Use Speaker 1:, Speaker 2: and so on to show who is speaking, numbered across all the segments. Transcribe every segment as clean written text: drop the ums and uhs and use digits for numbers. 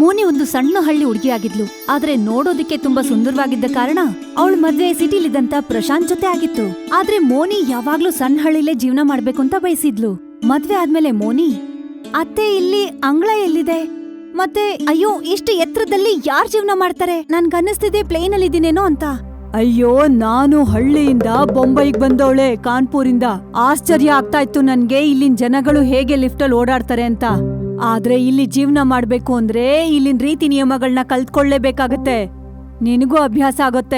Speaker 1: ಮೋನಿ ಒಂದು ಸಣ್ಣ ಹಳ್ಳಿ ಹುಡುಗಿಯಾಗಿದ್ಲು. ಆದ್ರೆ ನೋಡೋದಕ್ಕೆ ತುಂಬಾ ಸುಂದರವಾಗಿದ್ದ ಕಾರಣ ಅವಳ ಮದ್ವೆ ಸಿಟಿಲಿದ್ದಂತ ಪ್ರಶಾಂತ್ ಜೊತೆ ಆಗಿತ್ತು. ಆದ್ರೆ ಮೋನಿ ಯಾವಾಗ್ಲೂ ಸಣ್ಣ ಹಳ್ಳಿಲೇ ಜೀವನ ಮಾಡ್ಬೇಕು ಅಂತ ಬಯಸಿದ್ಲು. ಮದ್ವೆ ಆದ್ಮೇಲೆ ಮೋನಿ, ಅತ್ತೆ ಇಲ್ಲಿ ಅಂಗಳ ಎಲ್ಲಿದೆ? ಮತ್ತೆ ಅಯ್ಯೋ, ಇಷ್ಟು ಎತ್ತರದಲ್ಲಿ ಯಾರ್ ಜೀವನ ಮಾಡ್ತಾರೆ? ನನ್ಗನ್ನಿಸ್ತಿದೆ ಪ್ಲೇನ್ ಅಲ್ಲಿ ಇದೀನೇನೋ ಅಂತ. ಅಯ್ಯೋ, ನಾನು ಹಳ್ಳಿಯಿಂದ ಬೊಂಬೈಗ್ ಬಂದವಳೆ, ಕಾನ್ಪುರಿಂದ. ಆಶ್ಚರ್ಯ ಆಗ್ತಾ ಇತ್ತು ನನ್ಗೆ ಇಲ್ಲಿನ ಜನಗಳು ಹೇಗೆ ಲಿಫ್ಟಲ್ಲಿ ಓಡಾಡ್ತಾರೆ ಅಂತ. ಆದ್ರೆ ಇಲ್ಲಿ ಜೀವನ ಮಾಡ್ಬೇಕು ಅಂದ್ರೆ ಇಲ್ಲಿನ ರೀತಿ ನಿಯಮಗಳನ್ನ ಕಲ್ತ್ಕೊಳ್ಳೇಬೇಕಾಗತ್ತೆ. ನಿನಗೂ ಅಭ್ಯಾಸ ಆಗುತ್ತೆ.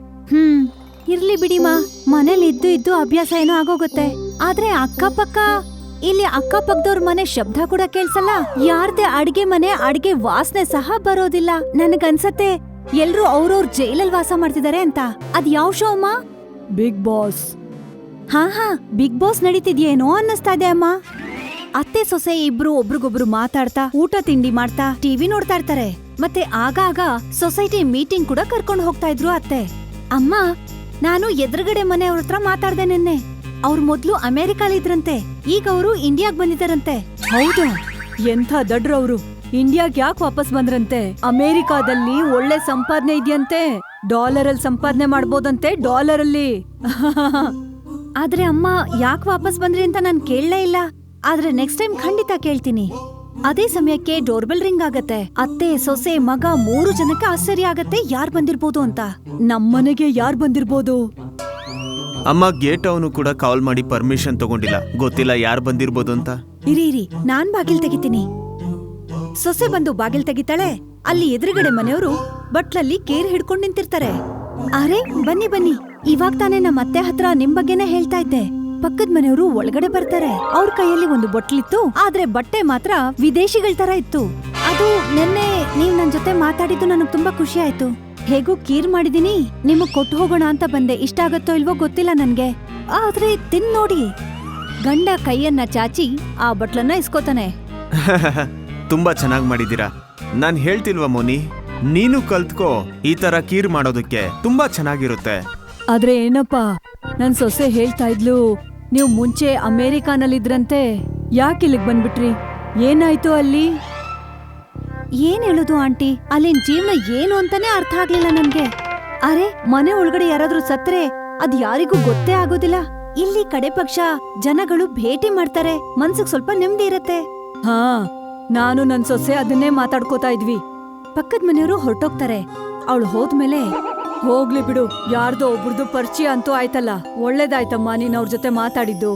Speaker 1: ಇರ್ಲಿ ಬಿಡಿಮಾ, ಮನೇಲಿ ಇದ್ದು ಅಭ್ಯಾಸ ಏನೋ ಆಗೋಗುತ್ತೆ. ಆದ್ರೆ ಅಕ್ಕಪಕ್ಕ ಇಲ್ಲಿ ಅಕ್ಕಪಕ್ಕದವ್ರ ಮನೆ ಶಬ್ದ ಕೂಡ ಕೇಳ್ಸಲ್ಲ. ಯಾರ್ದೇ ಅಡ್ಗೆ ಮನೆ ಅಡ್ಗೆ ವಾಸನೆ ಸಹ ಬರೋದಿಲ್ಲ. ನನಗನ್ಸತ್ತೆ ಎಲ್ರೂ ಅವ್ರವ್ರ ಜೈಲಲ್ಲಿ ವಾಸ ಮಾಡ್ತಿದಾರೆ ಅಂತ. ಅದ್ ಯಾವ ಶೋ ಅಮ್ಮ? Bigg Boss. ಹಾ, ಬಿಗ್ ಬಾಸ್ ನಡೀತಿದ್ಯೇನೋ ಅನ್ನಿಸ್ತಾ ಇದೆ ಅಮ್ಮ. ಅತ್ತೆ ಸೊಸೆ ಇಬ್ರು ಒಬ್ರಿಗೊಬ್ರು ಮಾತಾಡ್ತಾ ಊಟ ತಿಂಡಿ ಮಾಡ್ತಾ ಟಿವಿ ನೋಡ್ತಾ ಇರ್ತಾರೆ. ಮತ್ತೆ ಆಗಾಗ ಸೊಸೈಟಿ ಮೀಟಿಂಗ್ ಕೂಡ ಕರ್ಕೊಂಡು ಹೋಗ್ತಾ ಇದ್ರು ಅತ್ತೆ. ಅಮ್ಮ, ನಾನು ಎದುರುಗಡೆ ಮನೆಯವ್ರ ಹತ್ರ ಮಾತಾಡ್ದೆ ನಿನ್ನೆ. ಅವ್ರು ಮೊದ್ಲು ಅಮೆರಿಕಾಲಿದ್ರಂತೆ, ಈಗ ಅವರು ಇಂಡಿಯಾಗ್ ಬಂದಿದ್ದಾರಂತೆ. ಹೌದಾ? ಎಂಥ ದಡ್ರವ್ರು. ಇಂಡಿಯಾಗ್ ಯಾಕೆ ವಾಪಸ್ ಬಂದ್ರಂತೆ? ಅಮೆರಿಕಾದಲ್ಲಿ ಒಳ್ಳೆ ಸಂಪಾದನೆ ಇದೆಯಂತೆ. ಡಾಲರಲ್ಲಿ ಸಂಪಾದನೆ ಮಾಡ್ಬೋದಂತೆ, ಡಾಲರಲ್ಲಿ. ಆದ್ರೆ ಅಮ್ಮ, ಯಾಕೆ ವಾಪಸ್ ಬಂದ್ರಿ ಅಂತ ನಾನ್ ಕೇಳಲೇ ಇಲ್ಲ. ಆದ್ರೆ ನೆಕ್ಸ್ಟ್ ಟೈಮ್ ಖಂಡಿತ ಕೇಳ್ತೀನಿ. ಅದೇ ಸಮಯಕ್ಕೆ ಡೋರ್ಬೆಲ್ ರಿಂಗ್ ಆಗತ್ತೆ. ಅತ್ತೆ, ಸೊಸೆ, ಮಗ 3 ಜನಕ್ಕೆ ಆಶ್ಚರ್ಯ ಆಗತ್ತೆ ಯಾರ್ ಬಂದಿರ್ಬೋದು ಅಂತ. ನಮ್ಮನೆಗೆ ಯಾರ್ ಬಂದಿರ್ಬೋದು?
Speaker 2: ಅಮ್ಮ, ಗೇಟ್ ಅವನು ಕೂಡ ಕಾಲ್ ಮಾಡಿ ಪರ್ಮಿಷನ್ ತಗೊಂಡಿಲ್ಲ. ಗೊತ್ತಿಲ್ಲ ಯಾರು ಬಂದಿರ್ಬೋದು ಅಂತ.
Speaker 1: ಇರಿ, ನಾನ್ ಬಾಗಿಲ್ ತೆಗಿತೀನಿ. ಸೊಸೆ ಬಂದು ಬಾಗಿಲ್ ತೆಗಿತಾಳೆ. ಅಲ್ಲಿ ಎದುರುಗಡೆ ಮನೆಯವರು ಬಟ್ಲಲ್ಲಿ ಕೇರ್ ಹಿಡ್ಕೊಂಡ್ ನಿಂತಿರ್ತಾರೆ. ಅರೆ, ಬನ್ನಿ. ಇವಾಗ ತಾನೇ ನಮ್ಮ ಅತ್ತೆ ಹತ್ರ ನಿಮ್ ಬಗ್ಗೆನೇ ಹೇಳ್ತಾ ಇದ್ದೆ. ಪಕ್ಕದ ಮನೆಯವರು ಒಳಗಡೆ ಬರ್ತಾರೆ. ಅವ್ರ ಕೈಯಲ್ಲಿ ಒಂದು ಬಟ್ಲಿತ್ತು, ಆದ್ರೆ ಬಟ್ಟೆ ಮಾತ್ರ ವಿದೇಶಿಗಳ ತರ ಇತ್ತು. ಅದು ನೆನ್ನೆ ನೀವ್ ನನ್ ಜೊತೆ ಮಾತಾಡಿದ್ದು ನನಗ್ ತುಂಬಾ ಖುಷಿ ಆಯ್ತು. ಹೇಗೂ ಕೀರ್ ಮಾಡಿದೀನಿ, ನಿಮಗ್ ಕೊಟ್ಟು ಹೋಗೋಣ ಅಂತ ಬಂದೆ. ಇಷ್ಟ ಆಗತ್ತೋ ಇಲ್ವೋ ಗೊತ್ತಿಲ್ಲ ನನ್ಗೆ, ಆದ್ರೆ ತಿನ್ ನೋಡಿ. ಗಂಡ ಕೈಯನ್ನ ಚಾಚಿ ಆ ಬಟ್ಲನ್ನ ಇಸ್ಕೋತಾನೆ.
Speaker 2: ತುಂಬಾ ಚೆನ್ನಾಗ್ ಮಾಡಿದೀರಾ. ನಾನ್ ಹೇಳ್ತಿಲ್ವಾ ಮೋನಿ, ನೀನು ಕಲ್ತ್ಕೋ. ಈ ತರ ಕೀರ್ ಮಾಡೋದಕ್ಕೆ ತುಂಬಾ ಚೆನ್ನಾಗಿರುತ್ತೆ.
Speaker 1: ಆದ್ರೆ ಏನಪ್ಪಾ, ನನ್ ಸೊಸೆ ಹೇಳ್ತಾ ಇದ್ಲು, ನೀವು ಮುಂಚೆ ಅಮೆರಿಕಾನಲ್ಲಿದ್ರಂತೆ, ಯಾಕೆ ಇಲ್ಲಿಗ್ ಬಂದ್ಬಿಟ್ರಿ? ಏನಾಯ್ತು ಅಲ್ಲಿ? ಏನ್ ಹೇಳುದು ಆಂಟಿ, ಅಲ್ಲಿನ ಜೀವನ ಏನು ಅಂತಾನೆ ಅರ್ಥ ಆಗ್ಲಿಲ್ಲ ನನ್ಗೆ. ಅರೆ, ಮನೆ ಒಳಗಡೆ ಯಾರಾದ್ರೂ ಸತ್ರೆ ಅದ್ ಯಾರಿಗೂ ಗೊತ್ತೇ ಆಗೋದಿಲ್ಲ. ಇಲ್ಲಿ ಕಡೆ ಪಕ್ಷ ಜನಗಳು ಭೇಟಿ ಮಾಡ್ತಾರೆ, ಮನ್ಸಿಗೆ ಸ್ವಲ್ಪ ನೆಮ್ಮದಿ ಇರತ್ತೆ. ಹಾ, ನಾನು ನನ್ ಸೊಸೆ ಅದನ್ನೇ ಮಾತಾಡ್ಕೋತಾ ಇದ್ವಿ. ಪಕ್ಕದ ಮನೆಯವರು ಹೊರಟೋಗ್ತಾರೆ. ಅವಳು ಹೋದ್ಮೇಲೆ, ಹೋಗ್ಲಿ ಬಿಡು, ಯಾರ್ದೋ ಒಬ್ರದ್ದು ಪರಿಚಯ ಅಂತೂ ಆಯ್ತಲ್ಲ, ಒಳ್ಳೇದಾಯ್ತಮ್ಮ ನೀನ್ ಅವ್ರ ಜೊತೆ ಮಾತಾಡಿದ್ದು.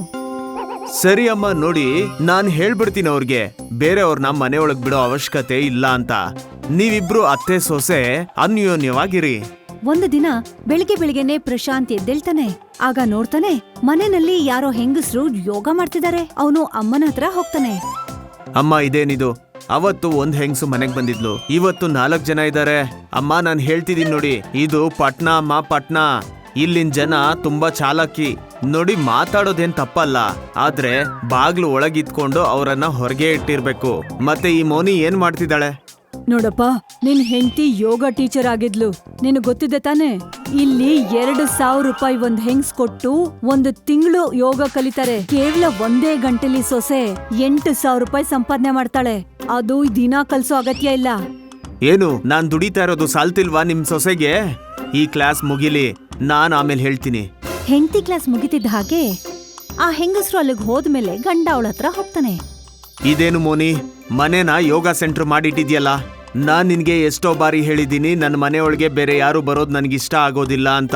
Speaker 2: ಸರಿ ಅಮ್ಮ, ನೋಡಿ ನಾನ್ ಹೇಳ್ಬಿಡ್ತೀನಿ ಅವ್ರಿಗೆ, ಬೇರೆಯವ್ರನ್ನ ಮನೆ ಒಳಗ್ ಬಿಡೋ ಅವಶ್ಯಕತೆ ಇಲ್ಲ ಅಂತ. ನೀವಿಬ್ರು ಅತ್ತೆ ಸೊಸೆ ಅನ್ಯೋನ್ಯವಾಗಿರಿ.
Speaker 1: ಒಂದು ದಿನ ಬೆಳಿಗ್ಗೆನೆ ಪ್ರಶಾಂತ್ ಎದ್ದೇಳ್ತಾನೆ. ಆಗ ನೋಡ್ತಾನೆ ಮನೆಯಲ್ಲಿ ಯಾರೋ ಹೆಂಗಸ್ರು ಯೋಗ ಮಾಡ್ತಿದ್ದಾರೆ. ಅವನು ಅಮ್ಮನ ಹತ್ರ ಹೋಗ್ತಾನೆ.
Speaker 2: ಅಮ್ಮ, ಇದೇನಿದು? ಅವತ್ತು ಒಂದ್ ಹೆಂಗ್ಸು ಮನೆಗ್ ಬಂದಿದ್ಲು, ಇವತ್ತು 4 ಜನ ಇದ್ದಾರೆ. ಅಮ್ಮ, ನಾನ್ ಹೇಳ್ತಿದೀನಿ ನೋಡಿ, ಇದು ಪಟ್ನ ಅಮ್ಮ, ಪಟ್ನ. ಇಲ್ಲಿನ ಜನ ತುಂಬಾ ಚಾಲಾಕಿ. ನೋಡಿ, ಮಾತಾಡೋದೇನ್ ತಪ್ಪಲ್ಲ, ಆದ್ರೆ ಬಾಗ್ಲು ಒಳಗಿದ್ಕೊಂಡು ಅವರನ್ನ ಹೊರಗೆ ಇಟ್ಟಿರ್ಬೇಕು. ಮತ್ತೆ ಈ ಮೋನಿ ಏನ್ ಮಾಡ್ತಿದ್ದಾಳೆ
Speaker 1: ನೋಡಪ್ಪ, ನಿನ್ ಹೆಂಡತಿ ಯೋಗ ಟೀಚರ್ ಆಗಿದ್ಲು, ನಿನಗ್ ಗೊತ್ತಿದೆ ತಾನೆ? ಇಲ್ಲಿ 2,000 ರೂಪಾಯಿ ಒಂದ್ ಹೆಂಗ್ಸ್ ಕೊಟ್ಟು 1 ತಿಂಗಳು ಯೋಗ ಕಲಿತಾರೆ. ಕೇವಲ 1 ಗಂಟೆಲಿ ಸೊಸೆ 8,000 ರೂಪಾಯಿ ಸಂಪಾದನೆ ಮಾಡ್ತಾಳೆ. ಅದು ದಿನ ಕಲ್ಸೋ ಅಗತ್ಯ ಇಲ್ಲ.
Speaker 2: ಏನು, ನಾನ್ ದುಡಿತಾ ಇರೋದು ಸಾಲ್ತಿಲ್ವಾ ನಿಮ್ ಸೊಸೆಗೆ? ಈ ಕ್ಲಾಸ್ ಮುಗಿಲಿ, ನಾನ್ ಆಮೇಲೆ ಹೇಳ್ತೀನಿ.
Speaker 1: ಹೆಂಡತಿ ಕ್ಲಾಸ್ ಮುಗಿತಿದ್ದ ಹಾಗೆ ಆ ಹೆಂಗಸ್ರು ಅಲ್ಲಿಗೆ ಹೋದ್ಮೇಲೆ ಗಂಡ ಅವಳ ಹತ್ರ ಹೋಗ್ತಾನೆ.
Speaker 2: ಇದೇನು ಮೋನಿ, ಮನೆನ ಯೋಗ ಸೆಂಟರ್ ಮಾಡಿಟ್ಟಿದ್ಯಲ್ಲ? ನಾನ್ ನಿನ್ಗೆ ಎಷ್ಟೋ ಬಾರಿ ಹೇಳಿದೀನಿ, ನನ್ನ ಮನೆ ಒಳಗೆ ಬೇರೆ ಯಾರು ಬರೋದ್ ನನ್ಗಿಷ್ಟ ಆಗೋದಿಲ್ಲ ಅಂತ.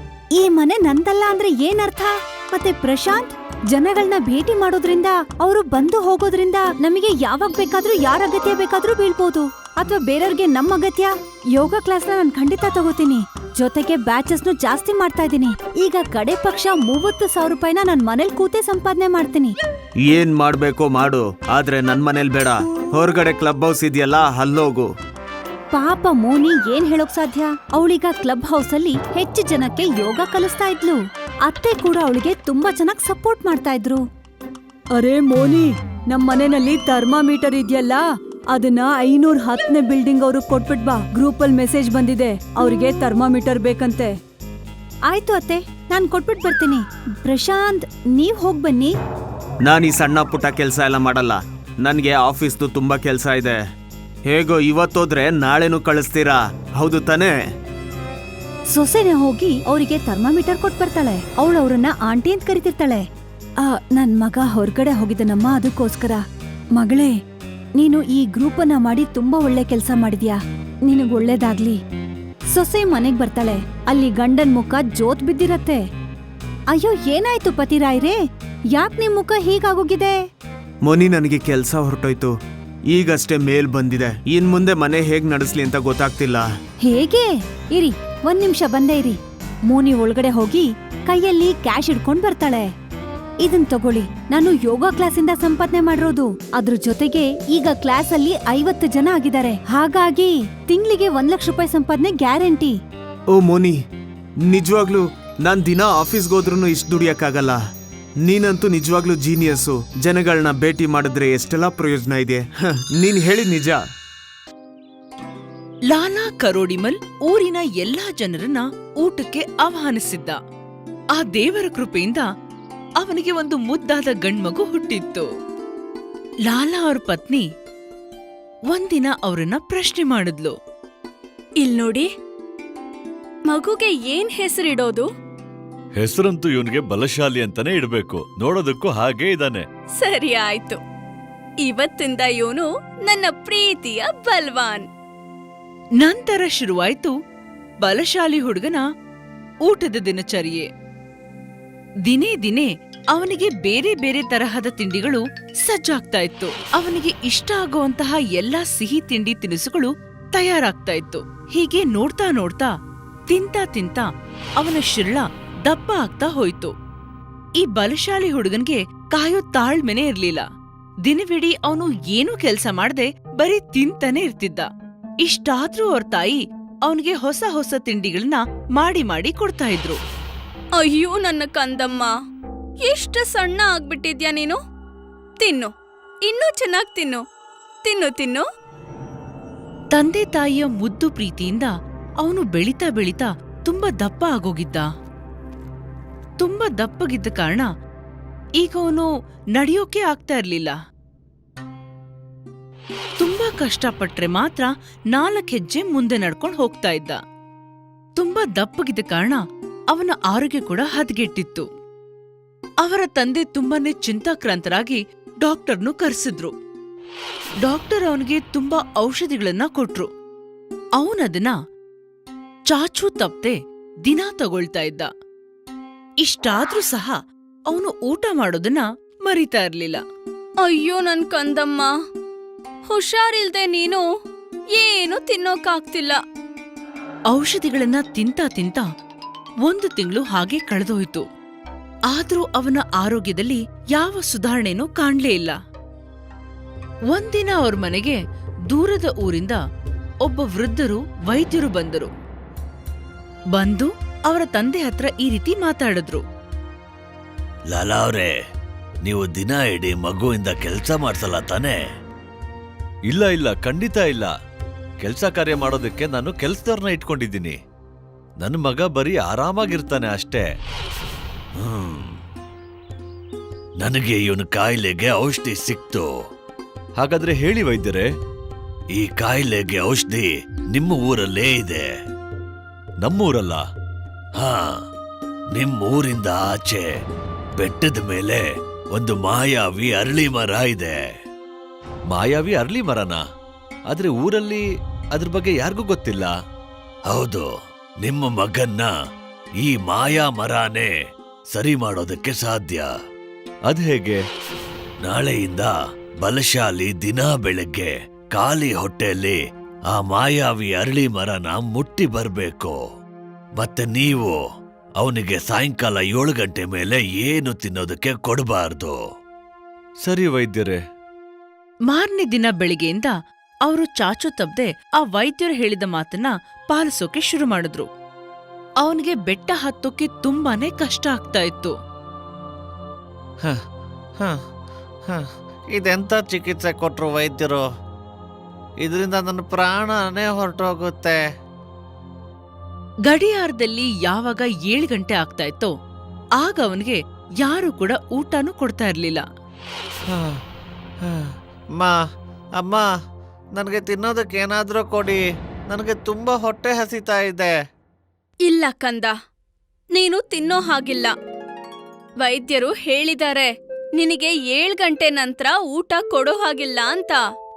Speaker 1: ಈ ಮನೆ ನಂದಲ್ಲ ಅಂದ್ರೆ ಏನರ್ಥ? ಮತ್ತೆ ಪ್ರಶಾಂತ್, ಜನಗಳನ್ನ ಭೇಟಿ ಮಾಡೋದ್ರಿಂದ, ಅವರು ಬಂದು ಹೋಗೋದ್ರಿಂದ ನಮಗೆ ಯಾವಾಗ ಬೇಕಾದ್ರೂ ಯಾರ ಅಗತ್ಯ ಬೇಕಾದ್ರೂ ಬೀಳ್ಬೋದು, ಅಥವಾ ಬೇರೆಯವ್ರಿಗೆ ನಮ್ಮ ಅಗತ್ಯ. ಯೋಗ ಕ್ಲಾಸ್ನ ನಾನು ಖಂಡಿತ ತಗೋತೀನಿ. ಜೊತೆಗೆ ಬ್ಯಾಚಸ್ನು ಜಾಸ್ತಿ ಮಾಡ್ತಾ ಇದ್ದೀನಿ. ಈಗ ಕಡೆ ಪಕ್ಷ 30,000 ರೂಪಾಯಿನ ನನ್ ಮನೇಲಿ ಕೂತೆ ಸಂಪಾದನೆ ಮಾಡ್ತೀನಿ.
Speaker 2: ಏನ್ ಮಾಡ್ಬೇಕೋ ಮಾಡು, ಆದ್ರೆ ನನ್ ಮನೇಲಿ ಬೇಡ. ಹೊರಗಡೆ ಕ್ಲಬ್ ಹೌಸ್ ಇದೆಯಲ್ಲ, ಅಲ್ಲೋಗು.
Speaker 1: ಪಾಪ ಮೋನಿ ಏನ್ ಹೇಳೋಕ್ ಸಾಧ್ಯ? ಅವಳೀಗ ಕ್ಲಬ್ ಹೌಸ್ ಅಲ್ಲಿ ಹೆಚ್ಚು ಜನಕ್ಕೆ ಯೋಗ ಕಲಿಸ್ತಾ ಇದ್ಲು. ಅತ್ತೆ ಕೂಡ ಅವಳಿಗೆ ತುಂಬಾ ಚೆನ್ನಾಗಿ ಸಪೋರ್ಟ್ ಮಾಡ್ತಾ ಇದ್ರು. ಅರೆ ಮೋನಿ, ನಮ್ ಮನೆಯಲ್ಲಿ ಥರ್ಮಾಮೀಟರ್ ಇದೆಯಲ್ಲ, ಅದನ್ನ 510ನೇ ಬಿಲ್ಡಿಂಗ್ ಅವ್ರಿಗೆ ಕೊಟ್ಬಿಟ್ ಬಾ. ಗ್ರೂಪ್ ಅಲ್ಲಿ ಮೆಸೇಜ್ ಬಂದಿದೆ, ಅವ್ರಿಗೆ ಥರ್ಮಾಮೀಟರ್ ಬೇಕಂತೆ. ಆಯ್ತು ಅತ್ತೆ, ನಾನ್ ಕೊಟ್ಬಿಟ್ ಬರ್ತೀನಿ. ಪ್ರಶಾಂತ್, ನೀವ್ ಹೋಗ್ ಬನ್ನಿ.
Speaker 2: ನಾನು ಈ ಸಣ್ಣ ಪುಟ್ಟ ಕೆಲಸ ಎಲ್ಲ ಮಾಡಲ್ಲ, ನನ್ಗೆ ಆಫೀಸ್ದು ತುಂಬಾ ಕೆಲಸ ಇದೆ. ಹೇಗೋ ಇವತ್ತೋದ್ರೆ ನಾಳೆನೂ ಕಳಿಸ್ತೀರಾ, ಹೌದು ತಾನೇ?
Speaker 1: ಸೊಸೆನೆ ಹೋಗಿ ಅವರಿಗೆ ಥರ್ಮಾಮೀಟರ್ ಕೊಟ್ ಬರ್ತಾಳೆ. ಅವಳು ಅವ್ರನ್ನ ಆಂಟಿ ಅಂತ ಕರಿತಿರ್ತಾಳೆ. ನನ್ ಮಗ ಹೊರಗಡೆ ಹೋಗಿದ್ದನಮ್ಮ, ಅದಕ್ಕೋಸ್ಕರ. ಮಗಳೇ, ನೀನು ಈ ಗ್ರೂಪ್ ಅನ್ನ ಮಾಡಿ ತುಂಬಾ ಒಳ್ಳೆ ಕೆಲ್ಸ ಮಾಡಿದ್ಯಾ, ನಿನಗ್ ಒಳ್ಳೇದಾಗ್ಲಿ. ಸೊಸೆ ಮನೆಗ್ ಬರ್ತಾಳೆ. ಅಲ್ಲಿ ಗಂಡನ್ ಮುಖ ಜೋತ್ ಬಿದ್ದಿರತ್ತೆ. ಅಯ್ಯೋ, ಏನಾಯ್ತು ಪತಿರಾಯ್ರೇ, ಯಾಕ್ ನಿಮ್ ಮುಖ ಹೀಗಾಗೋಗಿದೆ?
Speaker 2: ಮೊನಿ, ನನಗೆ ಕೆಲ್ಸ ಹೊರಟೋಯ್ತು, ಈಗಷ್ಟೇ ಮೇಲ್ ಬಂದಿದೆ. ಇನ್ ಮುಂದೆ ಮನೆ ಹೇಗ್ ನಡೆಸ್ಲಿ ಅಂತ ಗೊತ್ತಾಗ್ತಿಲ್ಲ.
Speaker 1: ಹೇಗೆ? ಇರಿ, ಒಂದ್ ನಿಮಿಷ ಬಂದೇ ಇರಿ. ಮೋನಿ ಒಳಗಡೆ ಹೋಗಿ ಕೈಯಲ್ಲಿ ಕ್ಯಾಶ್ ಇಡ್ಕೊಂಡ್ ಬರ್ತಾಳೆ. ಇದನ್ ತಗೊಳ್ಳಿ, ನಾನು ಯೋಗ ಕ್ಲಾಸಿಂದ ಸಂಪಾದನೆ ಮಾಡಿರೋದು. ಅದ್ರ ಜೊತೆಗೆ ಈಗ ಕ್ಲಾಸ್ ಅಲ್ಲಿ 50 ಜನ ಆಗಿದ್ದಾರೆ. ಹಾಗಾಗಿ ತಿಂಗ್ಳಿಗೆ 1 ಲಕ್ಷ ರೂಪಾಯಿ ಸಂಪಾದನೆ ಗ್ಯಾರಂಟಿ.
Speaker 2: ಓ ಮೋನಿ, ನಿಜವಾಗ್ಲೂ ನಾನ್ ದಿನ ಆಫೀಸ್ಗೆ ಹೋದ್ರೂ ಇಷ್ಟು ದುಡಿಯಕ್ಕಾಗಲ್ಲ. ನೀನಂತೂ ನಿಜವಾಗ್ಲೂ ಜೀನಿಯಸ್ಸು. ಜನಗಳನ್ನ ಭೇಟಿ ಮಾಡಿದ್ರೆ ಎಷ್ಟೆಲ್ಲ ಪ್ರಯೋಜನ ಇದೆ. ನೀನ್ ಹೇಳಿದ್ ನಿಜ.
Speaker 3: ಲಾಲಾ ಕರೋಡಿಮಲ್ ಊರಿನ ಎಲ್ಲಾ ಜನರನ್ನ ಊಟಕ್ಕೆ ಆಹ್ವಾನಿಸಿದ್ದ. ಆ ದೇವರ ಕೃಪೆಯಿಂದ ಅವನಿಗೆ ಒಂದು ಮುದ್ದಾದ ಗಂಡ್ಮಗು ಹುಟ್ಟಿತ್ತು. ಲಾಲಾ ಅವ್ರ ಪತ್ನಿ ಒಂದಿನ ಅವರನ್ನ ಪ್ರಶ್ನೆ ಮಾಡಿದ್ಲು.
Speaker 4: ಇಲ್ನೋಡಿ, ಮಗುಗೆ ಏನ್ ಹೆಸರಿಡೋದು?
Speaker 5: ಹೆಸರಂತೂ ಇವನ್ಗೆ ಬಲಶಾಲಿ ಅಂತಾನೆ ಇಡ್ಬೇಕು. ನೋಡೋದಕ್ಕೂ ಹಾಗೇ ಇದ್ದಾನೆ.
Speaker 4: ಸರಿ ಆಯ್ತು, ಇವತ್ತಿಂದ ಇವನು ನನ್ನ ಪ್ರೀತಿಯ ಬಲ್ವಾನ್.
Speaker 3: ನಂತರ ಶುರುವಾಯ್ತು ಬಲಶಾಲಿ ಹುಡುಗನ ಊಟದ ದಿನಚರ್ಯೆ. ದಿನೇ ದಿನೇ ಅವನಿಗೆ ಬೇರೆ ಬೇರೆ ತರಹದ ತಿಂಡಿಗಳು ಸಜ್ಜಾಗ್ತಾ ಇತ್ತು. ಅವನಿಗೆ ಇಷ್ಟ ಆಗುವಂತಹ ಎಲ್ಲಾ ಸಿಹಿ ತಿಂಡಿ ತಿನಿಸುಗಳು ತಯಾರಾಗ್ತಾ ಇತ್ತು. ಹೀಗೆ ನೋಡ್ತಾ ನೋಡ್ತಾ, ತಿಂತಾ ತಿಂತಾ ಅವನ ಶಿರ್ಳ ದಪ್ಪ ಆಗ್ತಾ ಹೋಯ್ತು. ಈ ಬಲಶಾಲಿ ಹುಡುಗನ್ಗೆ ಕಾಯೋ ತಾಳ್ಮೆನೆ ಇರ್ಲಿಲ್ಲ. ದಿನವಿಡೀ ಅವನು ಏನೂ ಕೆಲ್ಸ ಮಾಡ್ದೆ ಬರೀ ತಿಂತಾನೆ ಇರ್ತಿದ್ದ. ಇಷ್ಟಾದ್ರೂ ಅವ್ರ ತಾಯಿ ಅವನಿಗೆ ಹೊಸ ಹೊಸ ತಿಂಡಿಗಳನ್ನ ಮಾಡಿ ಮಾಡಿ ಕೊಡ್ತಾ ಇದ್ರು.
Speaker 4: ಅಯ್ಯೋ ನನ್ನ ಕಂದಮ್ಮ, ಎಷ್ಟು ಸಣ್ಣ ಆಗ್ಬಿಟ್ಟಿದ್ಯಾ ನೀನು. ತಿನ್ನು, ಇನ್ನೂ ಚೆನ್ನಾಗ್ ತಿನ್ನು, ತಿನ್ನು ತಿನ್ನು.
Speaker 3: ತಂದೆ ತಾಯಿಯ ಮುದ್ದು ಪ್ರೀತಿಯಿಂದ ಅವನು ಬೆಳಿತಾ ಬೆಳಿತಾ ತುಂಬಾ ದಪ್ಪ ಆಗೋಗಿದ್ದ. ತುಂಬಾ ದಪ್ಪಗಿದ್ದ ಕಾರಣ ಈಗ ಅವನು ನಡೆಯೋಕೆ ಆಗ್ತಾ ಇರ್ಲಿಲ್ಲ. ತುಂಬಾ ಕಷ್ಟಪಟ್ರೆ ಮಾತ್ರ 4 ಹೆಜ್ಜೆ ಮುಂದೆ ನಡ್ಕೊಂಡು ಹೋಗ್ತಾ ಇದ್ದ. ತುಂಬಾ ದಪ್ಪಗಿದ್ದ ಕಾರಣ ಅವನ ಆರೋಗ್ಯ ಕೂಡ ಹದಗೆಟ್ಟಿತ್ತು. ಅವರ ತಂದೆ ತುಂಬಾನೇ ಚಿಂತಾಕ್ರಾಂತರಾಗಿ ಡಾಕ್ಟರ್ನು ಕರೆಸಿದ್ರು. ಡಾಕ್ಟರ್ ಅವನಿಗೆ ತುಂಬಾ ಔಷಧಿಗಳನ್ನ ಕೊಟ್ರು. ಅವನದನ್ನ ಚಾಚೂ ತಪ್ಪದೆ ದಿನ ತಗೊಳ್ತಾ ಇದ್ದ. ಇಷ್ಟಾದ್ರೂ ಸಹ ಅವನು ಊಟ ಮಾಡೋದನ್ನ ಮರಿತಾ ಇರ್ಲಿಲ್ಲ.
Speaker 4: ಅಯ್ಯೋ ನನ್ ಕಂದಮ್ಮ, ಹುಷಾರಿಲ್ದೆ ನೀನು ಏನು ತಿನ್ನೋಕಾಗ್ತಿಲ್ಲ.
Speaker 3: ಔಷಧಿಗಳನ್ನ ತಿಂತಾ ತಿಂತಾ 1 ತಿಂಗಳು ಹಾಗೆ ಕಳೆದೋಯ್ತು. ಆದ್ರೂ ಅವನ ಆರೋಗ್ಯದಲ್ಲಿ ಯಾವ ಸುಧಾರಣೆನೂ ಕಾಣ್ಲೇ ಇಲ್ಲ. ಒಂದಿನ ಅವ್ರ ಮನೆಗೆ ದೂರದ ಊರಿಂದ ಒಬ್ಬ ವೃದ್ಧರು ವೈದ್ಯರು ಬಂದರು. ಬಂದು ಅವರ ತಂದೆ ಹತ್ರ ಈ ರೀತಿ ಮಾತಾಡಿದ್ರು.
Speaker 5: ಲಾಲಾ ಅವ್ರೆ, ನೀವು ದಿನ ಇಡೀ ಮಗುವಿಂದ ಕೆಲ್ಸ ಮಾಡ್ಸಲ್ಲ ತಾನೇ? ಇಲ್ಲ ಇಲ್ಲ, ಖಂಡಿತ ಇಲ್ಲ. ಕೆಲ್ಸ ಕಾರ್ಯ ಮಾಡೋದಕ್ಕೆ ನಾನು ಕೆಲ್ಸದವ್ರನ್ನ ಇಟ್ಕೊಂಡಿದ್ದೀನಿ. ನನ್ನ ಮಗ ಬರೀ ಆರಾಮಾಗಿರ್ತಾನೆ ಅಷ್ಟೇ. ನನಗೆ ಇವನ ಕಾಯಿಲೆಗೆ ಔಷಧಿ ಸಿಕ್ತು. ಹಾಗಾದ್ರೆ ಹೇಳಿ ವೈದ್ಯರೇ, ಈ ಕಾಯಿಲೆಗೆ ಔಷಧಿ ನಿಮ್ಮ ಊರಲ್ಲೇ ಇದೆ. ನಮ್ಮೂರಲ್ಲ? ಹಾ, ನಿಮ್ಮೂರಿಂದ ಆಚೆ ಬೆಟ್ಟದ ಮೇಲೆ ಒಂದು ಮಾಯಾವಿ ಅರಳಿ ಮರ ಇದೆ. ಮಾಯಾವಿ ಅರಳಿ ಮರನ? ಆದ್ರೆ ಊರಲ್ಲಿ ಅದ್ರ ಬಗ್ಗೆ ಯಾರಿಗೂ ಗೊತ್ತಿಲ್ಲ. ಹೌದು, ನಿಮ್ಮ ಮಗನ್ನ ಈ ಮಾಯಾ ಮರನೇ ಸರಿ ಮಾಡೋದಕ್ಕೆ ಸಾಧ್ಯ. ಅದ್ ಹೇಗೆ? ನಾಳೆಯಿಂದ ಬಲಶಾಲಿ ದಿನ ಬೆಳಗ್ಗೆ ಖಾಲಿ ಹೊಟ್ಟೆಯಲ್ಲಿ ಆ ಮಾಯಾವಿ ಅರಳಿ ಮರನ ಮುಟ್ಟಿ ಬರ್ಬೇಕು. ಮತ್ತೆ ನೀವು ಅವನಿಗೆ ಸಾಯಂಕಾಲ 7 ಗಂಟೆ ಮೇಲೆ ಏನು ತಿನ್ನೋದಕ್ಕೆ ಕೊಡಬಾರ್ದು. ಸರಿ ವೈದ್ಯರೇ.
Speaker 3: ಮಾರನೇ ದಿನ ಬೆಳಿಗ್ಗೆಯಿಂದ ಅವರು ಚಾಚು ತಪ್ಪದೆ ಆ ವೈದ್ಯರು ಹೇಳಿದ ಮಾತನ್ನ ಪಾಲಿಸೋಕೆ ಶುರು ಮಾಡಿದ್ರು. ಅವನಿಗೆ ಬೆಟ್ಟ ಹತ್ತೋಕೆ ತುಂಬಾನೇ ಕಷ್ಟ ಆಗ್ತಾ ಇತ್ತು.
Speaker 6: ಇದೆಂತ ಚಿಕಿತ್ಸೆ ಕೊಟ್ರು ವೈದ್ಯರು? ಇದರಿಂದ ನನ್ನ ಪ್ರಾಣನೇ ಹೊರಟೋಗುತ್ತೆ.
Speaker 3: ಗಡಿಯಾರದಲ್ಲಿ ಯಾವಾಗ 7 ಗಂಟೆ ಆಗ್ತಾ ಇತ್ತೋ ಆಗ ಅವನಿಗೆ ಯಾರು ಕೂಡ ಊಟನೂ ಕೊಡ್ತಾ ಇರ್ಲಿಲ್ಲ.
Speaker 6: ಅಮ್ಮ, ಅಮ್ಮ, ನನಗೆ ತಿನ್ನೋದಕ್ಕೆ ಏನಾದ್ರೂ ಕೊಡಿ, ನನಗೆ ತುಂಬಾ ಹೊಟ್ಟೆ ಹಸಿತಾ ಇದೆ.
Speaker 4: ಇಲ್ಲ ಕಂದ, ನೀನು ತಿನ್ನೋ ಹಾಗಿಲ್ಲ. ವೈದ್ಯರು ಹೇಳಿದ್ದಾರೆ ನಿನಗೆ 7 ಗಂಟೆ ನಂತರ ಊಟ ಕೊಡೋ ಹಾಗಿಲ್ಲ ಅಂತ.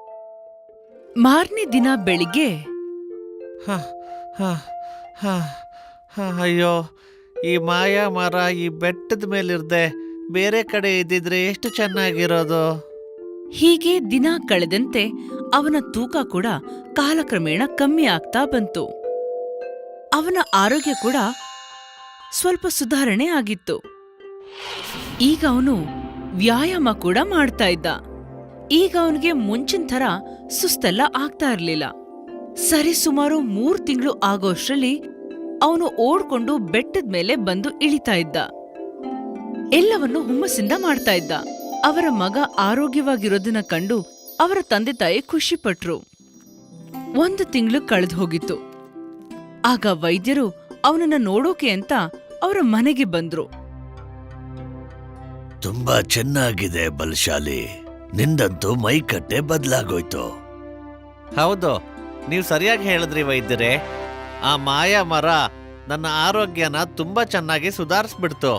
Speaker 3: ಮಾರನೇ ದಿನ ಬೆಳಿಗ್ಗೆ
Speaker 6: ಹ, ಹ, ಹ, ಹ, ಅಯ್ಯೋ, ಈ ಮಾಯಾ ಮರ ಈ ಬೆಟ್ಟದ ಮೇಲಿರ್ದೆ ಬೇರೆ ಕಡೆ ಇದ್ದಿದ್ರೆ ಎಷ್ಟು ಚೆನ್ನಾಗಿರೋದು.
Speaker 3: ಹೀಗೆ ದಿನ ಕಳೆದಂತೆ ಅವನ ತೂಕ ಕೂಡ ಕಾಲಕ್ರಮೇಣ ಕಮ್ಮಿ ಆಗ್ತಾ ಬಂತು. ಅವನ ಆರೋಗ್ಯ ಕೂಡ ಸ್ವಲ್ಪ ಸುಧಾರಣೆ ಆಗಿತ್ತು. ಈಗ ಅವನು ವ್ಯಾಯಾಮ ಕೂಡ ಮಾಡ್ತಾ ಇದ್ದ. ಈಗ ಅವನಿಗೆ ಮುಂಚಿನ ಥರ ಸುಸ್ತೆಲ್ಲ ಆಗ್ತಾ ಇರ್ಲಿಲ್ಲ. ಸರಿಸುಮಾರು 3 ತಿಂಗಳು ಆಗೋಷ್ಟ್ರಲ್ಲಿ ಅವನು ಓಡ್ಕೊಂಡು ಬೆಟ್ಟದ ಮೇಲೆ ಬಂದು ಇಳಿತಾ ಇದ್ದ. ಎಲ್ಲವನ್ನು ಹುಮ್ಮಸ್ಸಿಂದ ಮಾಡ್ತಾ ಇದ್ದ. ಅವರ ಮಗ ಆರೋಗ್ಯವಾಗಿರೋದನ್ನ ಕಂಡು ಅವರ ತಂದೆ ತಾಯಿ ಖುಷಿಪಟ್ರು. 1 ತಿಂಗಳು ಕಳೆದು ಹೋಗಿತ್ತು. ಆಗ ವೈದ್ಯರು ಅವನನ್ನ ನೋಡೋಕೆ ಅಂತ ಅವರ ಮನೆಗೆ ಬಂದ್ರು.
Speaker 5: ತುಂಬಾ ಚೆನ್ನಾಗಿದೆ ಬಲಶಾಲಿ, ನಿಂದಂತೂ ಮೈಕಟ್ಟೆ ಬದಲಾಗೋಯ್ತು.
Speaker 6: ಹೌದು, ನೀವು ಸರಿಯಾಗಿ ಹೇಳಿದ್ರಿ ವೈದ್ಯರೇ. ಆ ಮಾಯಾ ಮರ ನನ್ನ ಆರೋಗ್ಯನ ತುಂಬಾ ಚೆನ್ನಾಗಿ ಸುಧಾರಿಸ್ಬಿಡ್ತು.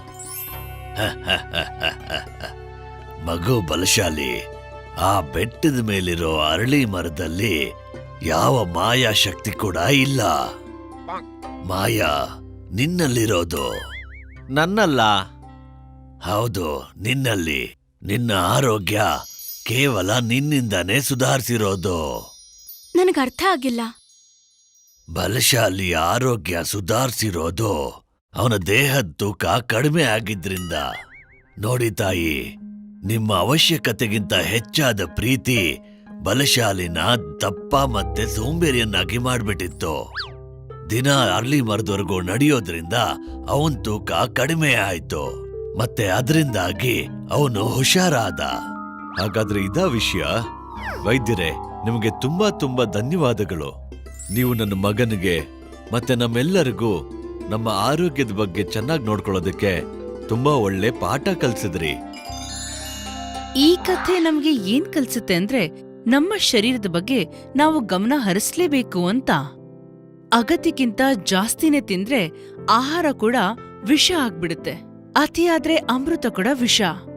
Speaker 5: ಮಗು ಬಲಶಾಲಿ, ಆ ಬೆಟ್ಟದ ಮೇಲಿರೋ ಅರಳಿ ಮರದಲ್ಲಿ ಯಾವ ಮಾಯಾ ಶಕ್ತಿ ಕೂಡ ಇಲ್ಲ. ಮಾಯಾ ನಿನ್ನಲ್ಲಿರೋದು.
Speaker 6: ನನ್ನಲ್ಲ.
Speaker 5: ಹೌದು, ನಿನ್ನಲ್ಲಿ. ನಿನ್ನ ಆರೋಗ್ಯ ಕೇವಲ ನಿನ್ನಿಂದಾನೇ ಸುಧಾರಿಸಿರೋದು.
Speaker 4: ನನಗರ್ಥ ಆಗಿಲ್ಲ.
Speaker 5: ಬಲಶಾಲಿ ಆರೋಗ್ಯ ಸುಧಾರಿಸಿರೋದು ಅವನ ದೇಹದ ತೂಕ ಕಡಿಮೆ ಆಗಿದ್ರಿಂದ. ನೋಡಿ ತಾಯಿ, ನಿಮ್ಮ ಅವಶ್ಯಕತೆಗಿಂತ ಹೆಚ್ಚಾದ ಪ್ರೀತಿ ಬಲಶಾಲಿನ ದಪ್ಪ ಮತ್ತೆ ಸೋಂಬೇರಿಯನ್ನಾಗಿ ಮಾಡ್ಬಿಟ್ಟಿತ್ತು. ದಿನ ಅರ್ಲಿ ಮರದವರೆಗೂ ನಡೆಯೋದ್ರಿಂದ ಅವನ್ ತೂಕ ಕಡಿಮೆ ಆಯ್ತು, ಮತ್ತೆ ಅದರಿಂದಾಗಿ ಅವನು ಹುಷಾರಾದ.
Speaker 7: ಹಾಗಾದ್ರೆ ಇದಾ ವಿಷಯ? ವೈದ್ಯರೇ, ನಿಮಗೆ ತುಂಬಾ ತುಂಬಾ ಧನ್ಯವಾದಗಳು. ನೀವು ನನ್ನ ಮಗನಿಗೆ ಮತ್ತೆ ನಮ್ಮೆಲ್ಲರಿಗೂ ನಮ್ಮ ಆರೋಗ್ಯದ ಬಗ್ಗೆ ಚೆನ್ನಾಗಿ ನೋಡ್ಕೊಳ್ಳೋದಕ್ಕೆ ತುಂಬಾ ಒಳ್ಳೆ ಪಾಠ ಕಲ್ಸಿದ್ರಿ.
Speaker 3: ಈ ಕಥೆ ನಮ್ಗೆ ಏನ್ ಕಲ್ಸುತ್ತೆ ಅಂದ್ರೆ, ನಮ್ಮ ಶರೀರದ ಬಗ್ಗೆ ನಾವು ಗಮನ ಹರಿಸ್ಲೇಬೇಕು ಅಂತ. ಅಗತ್ಯಕ್ಕಿಂತ ಜಾಸ್ತಿನೇ ತಿಂದ್ರೆ ಆಹಾರ ಕೂಡ ವಿಷ ಆಗ್ಬಿಡುತ್ತೆ. ಅತಿಯಾದ್ರೆ ಅಮೃತ ಕೂಡ ವಿಷ.